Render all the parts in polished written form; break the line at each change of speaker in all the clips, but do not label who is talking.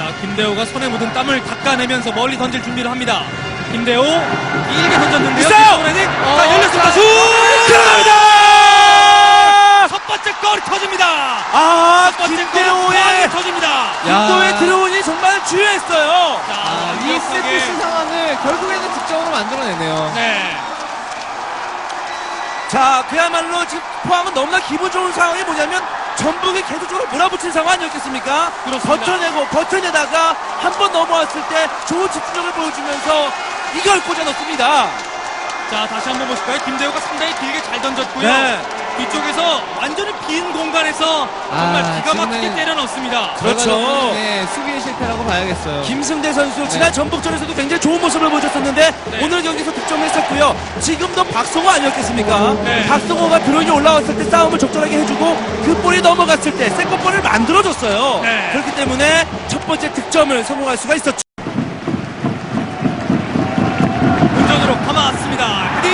김대호가 손에 묻은 땀을 닦아내면서 멀리 던질 준비를 합니다. 김대호 길게 던졌는데요.
있어요!
자, 열렸습니다. 슛!
들어갑니다!
첫 번째 골이 터집니다.
아,
첫 번째 골이
김대호의
터집니다.
김도의 드로운이 정말 주요했어요.
자,
이 세트피스 상황을 결국에는 득점으로 만들어내네요.
네.
자, 그야말로 지금 포항은 너무나 기분 좋은 상황이 뭐냐면 전북이 계속적으로 몰아붙인 상황 아니었겠습니까?
그렇습니다.
버텨내다가 한 번 넘어왔을 때 좋은 집중력을 보여주면서 이걸 꽂아넣습니다.
자, 다시 한번 보실까요? 김대호가 상당히 길게 잘 던졌고요.
네.
뒤쪽에서 완전히 빈 공간에서 정말 기가 막히게
지금은
때려 넣습니다.
그렇죠.
네, 수비의 실패라고 봐야겠어요.
김승대 선수 지난 전북전에서도 굉장히 좋은 모습을 보여줬었는데
네.
오늘 경기에서 득점을 했었고요. 지금도 박성호 아니었겠습니까?
네.
박성호가 드론이 올라왔을 때 싸움을 적절하게 해주고 그 볼이 넘어갔을 때 세컨볼을 만들어줬어요.
네.
그렇기 때문에 첫 번째 득점을 성공할 수가 있었죠.
운전으로 감아왔습니다. 헤딩!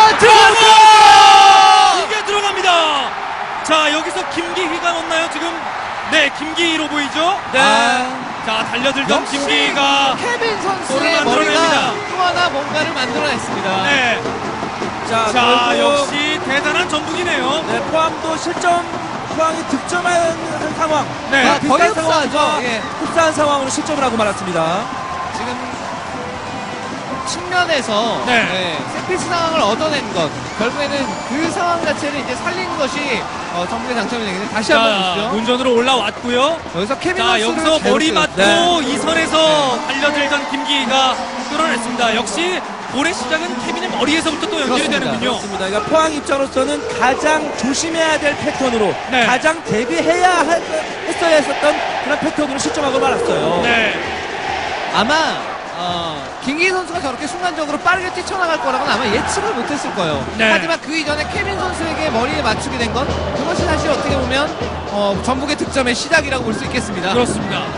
들어갔어!
이게 들어갑니다. 자, 여기서 김기희가 넣나요? 지금 네, 김기희로 보이죠?
네.
자, 달려들던
역시
김기희가
케빈 선수의
골을
머리가
만들어냅니다.
또 하나 뭔가를 만들어냈습니다.
네.
자,
자,
결국
역시 대단한 전북이네요.
네, 포항도 포항이 득점한 상황.
네.
아,
비슷한
거의
상황과
흡사하죠. 예.
흡사한 상황으로 실점을 하고 말았습니다.
지금 측면에서
네.
세트피스 상황을 얻어낸 것, 결국에는 그 상황 자체를 이제 살린 것이 전북의 장점이 되겠네요. 다시 한번
자,
보시죠.
운전으로 올라왔고요.
여기서 케빈
자,
선수를
여기서 머리
제로
맞고
네.
이 선에서 달려들던 김기희가 끌어냈습니다. 역시 볼의 시작은 케빈의 머리에서부터 또 연결이
그렇습니다.
되는군요.
그렇습니다. 그러니까 포항 입장으로서는 가장 조심해야 될 패턴으로
네.
가장 했어야 했었던 그런 패턴으로 실점하고 말았어요.
네.
아마 김기희 선수가 저렇게 순간적으로 빠르게 뛰쳐나갈 거라고는 아마 예측을 못했을 거예요.
네.
하지만 그 이전에 케빈 선수에게 머리에 맞추게 된 건 그것이 사실 어떻게 보면 전북의 득점의 시작이라고 볼 수 있겠습니다.
그렇습니다.